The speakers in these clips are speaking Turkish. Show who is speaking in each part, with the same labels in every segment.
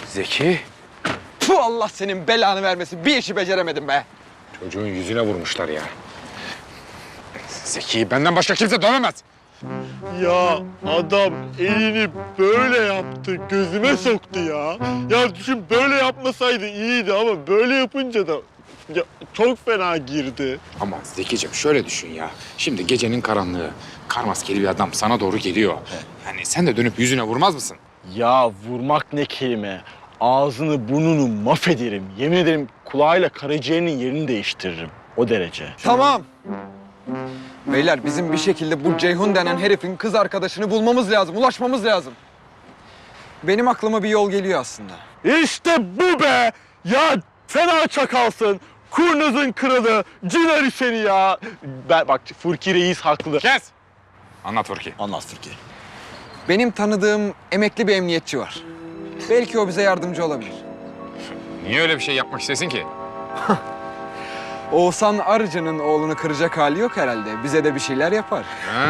Speaker 1: Zeki.
Speaker 2: Puh, Allah senin belanı vermesin. Bir işi beceremedim be.
Speaker 1: Çocuğun yüzüne vurmuşlar ya. Zeki'yi benden başka kimse dövemez.
Speaker 3: Ya adam elini böyle yaptı, gözüme soktu ya. Ya düşün böyle yapmasaydı iyiydi ama böyle yapınca da ya, çok fena girdi.
Speaker 1: Ama Zeki'cim şöyle düşün ya. Şimdi gecenin karanlığı, kar maskeli bir adam sana doğru geliyor. Yani sen de dönüp yüzüne vurmaz mısın?
Speaker 3: Ya vurmak ne kelime. Ağzını burnunu mahvederim. Yemin ederim kulağıyla karaciğerinin yerini değiştiririm. O derece.
Speaker 2: Tamam. Beyler bizim bir şekilde bu Ceyhun denen herifin kız arkadaşını bulmamız lazım, ulaşmamız lazım. Benim aklıma bir yol geliyor aslında.
Speaker 3: İşte bu be! Ya fena çakalsın. Kurnazın kralı, cinari seni ya. Bak Furki Reis haklı.
Speaker 1: Kes! Anlat Furki.
Speaker 3: Anlat Furki.
Speaker 2: Benim tanıdığım emekli bir emniyetçi var. Belki o bize yardımcı olabilir.
Speaker 1: Niye öyle bir şey yapmak istesin ki?
Speaker 2: Oğuzhan Arıcı'nın oğlunu kıracak hali yok herhalde. Bize de bir şeyler yapar.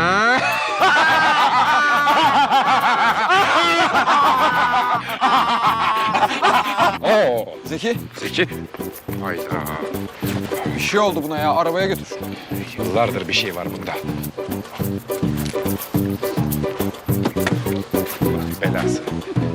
Speaker 1: Oo.
Speaker 2: Zeki,
Speaker 1: Zeki. Hayda.
Speaker 2: bir şey oldu buna ya. Arabaya götür.
Speaker 1: Yıllardır bir şey var bunda. Allah belası.